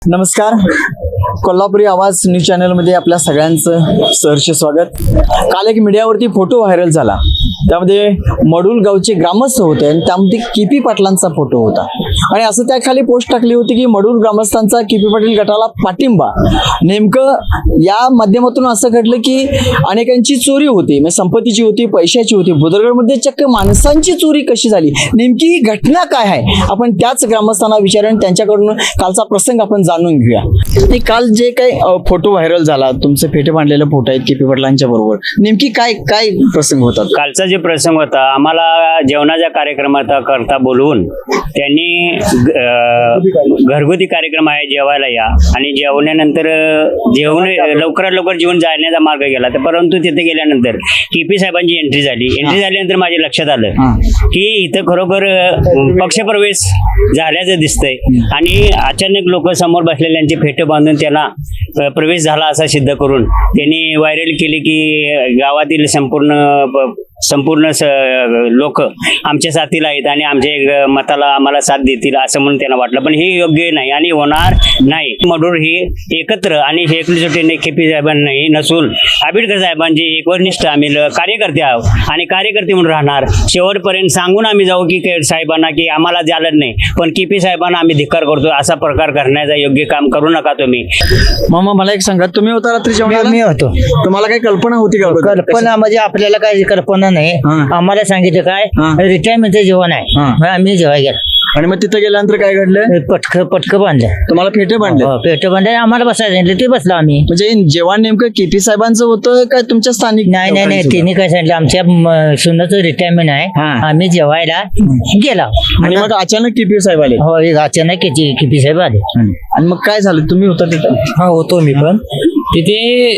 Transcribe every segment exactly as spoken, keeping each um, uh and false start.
नमस्कार, कोल्हापुरी आवाज न्यूज चॅनलमध्ये आपल्या सगळ्यांचं सहर्ष स्वागत. काल एक मीडियावरती फोटो व्हायरल झाला. त्यामध्ये मडूल गावचे ग्रामस्थ होते आणि त्यामध्ये केपी पाटलांचा फोटो होता आणि असं त्या खाली पोस्ट टाकली होती की मडूल ग्रामस्थांचा केपी पाटील गटाला पाठिंबा. नेमकं या माध्यमातून असं घडलं की अनेकांची चोरी होती, म्हणजे संपत्तीची होती, पैशाची होती. बुदरगडमध्ये चक्क माणसांची चोरी कशी झाली, नेमकी ही घटना काय आहे, आपण त्याच ग्रामस्थांना विचारून त्यांच्याकडून कालचा प्रसंग आपण जाणून घेऊया. आणि काल जे काही फोटो व्हायरल झाला, तुमचे फेटे बांधलेले फोटो आहेत केपी पाटलांच्या बरोबर, नेमकी काय काय प्रसंग होता? कालचा जे प्रसंग होता, आम्हाला जेवणाच्या कार्यक्रमाचा करता बोलवून त्यांनी घरगुती कार्यक्रम आहे, जेवायला या आणि जेवणानंतर जेवण लवकरात लवकर जेवण जाण्याचा मार्ग गेला. तर परंतु तिथे गेल्यानंतर केपी साहेबांची एंट्री झाली. एंट्री झाल्यानंतर माझ्या लक्षात आलं की इथं खरोखर पक्षप्रवेश झाल्याचं दिसतंय आणि अचानक लोक समोर बसलेल्यांचे फेटे बांधून त्यांना प्रवेश झाला असा सिद्ध करून त्यांनी व्हायरल केली की गावातील संपूर्ण संपूर्ण लोक आमच्या साथीला आहेत आणि आमच्या मताला आम्हाला साथ देतील असं म्हणून त्यांना वाटलं. पण हे योग्य नाही आणि होणार नाही. मडूर ही एकत्र आणि एकजुटीने केपी साहेबांनाही नसून आंबेडकर साहेबांची एकनिष्ठ आम्ही कार्यकर्ते आहोत आणि कार्यकर्ते म्हणून राहणार. शेवटपर्यंत सांगून आम्ही जाऊ की साहेबांना की आम्हाला झालं नाही, पण केपी साहेबांना आम्ही धिक्कार करतो. असा प्रकार करण्याचा योग्य काम करू नका तुम्ही. मामा मला एक सांगा, तुम्ही होता रात्री जेवणाला? मी होतो. तुम्हाला काही कल्पना होती का? कल्पना म्हणजे आपल्याला काही कल्पना नाही. आम्हाला सांगितलं काय रिटायरमेंटचं जेवण आहे, आम्ही जेवाय गेलो आणि मग तिथे गेल्यानंतर काय घडलं? पटक पटकं बांधलं. तुम्हाला फेटे बांधले? पेट बांधले. आम्हाला बसायचं ते बसलो आम्ही. म्हणजे जेवण नेमकं केपी साहेबांचं होतं काय तुमच्या स्थानिक? नाही नाही नाही तिने काय सांगितलं, आमच्या सुनाचं रिटायरमेंट आहे, आम्ही जेवायला गेला आणि मग अचानक केपी साहेब आले? हो, अचानक केपी साहेब आले. आणि मग काय झालं? तुम्ही होता तिथे? हा होतो मी पण तिथे.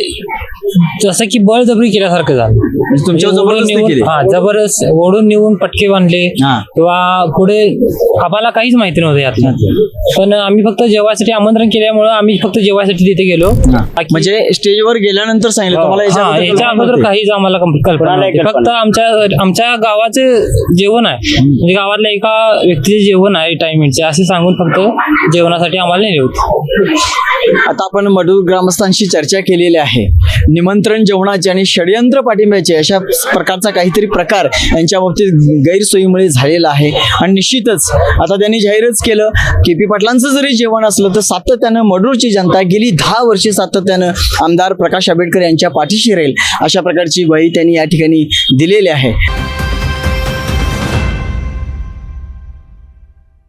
जसं की बळजबरी केल्यासारखं झालं. म्हणजे तुमच्यावर जबरदस्ती केली? हा, जबरदस्त ओढून नेऊन पटके बांधले किंवा पुढे आम्हाला काहीच माहिती नव्हतं यातलं. पण आम्ही फक्त जेवायसाठी आमंत्रण केल्यामुळे आम्ही फक्त जेवायसाठी तिथे गेलो. म्हणजे स्टेजवर गेल्यानंतर सांगितलं तुम्हाला? याच्या अगोदर काहीच आम्हाला कल्पना नाही. फक्त आमच्या आमच्या गावाचं जेवण आहे, म्हणजे गावातल्या एका व्यक्तीचे जेवण आहे टायमिंगचे असे सांगून फक्त जेवणासाठी आम्हाला नेले होते. आता आपण मडूर ग्रामस्थांशी चर्चा केलेली आहे. निमंत्रण जेवणाचे आणि षडयंत्र पाठिंब्याचे अशा प्रकारचा काहीतरी प्रकार यांच्या बाबतीत गैरसोयीमुळे झालेला आहे आणि निश्चितच आता त्यांनी जाहीरच केलं केपी पाटलांचं जरी जेवण असलं तर सातत्यानं मडूरची जनता गेली दहा वर्षे सातत्यानं आमदार प्रकाश आंबेडकर यांच्या पाठीशी राहील अशा प्रकारची ग्वाही त्यांनी या ठिकाणी दिलेली आहे.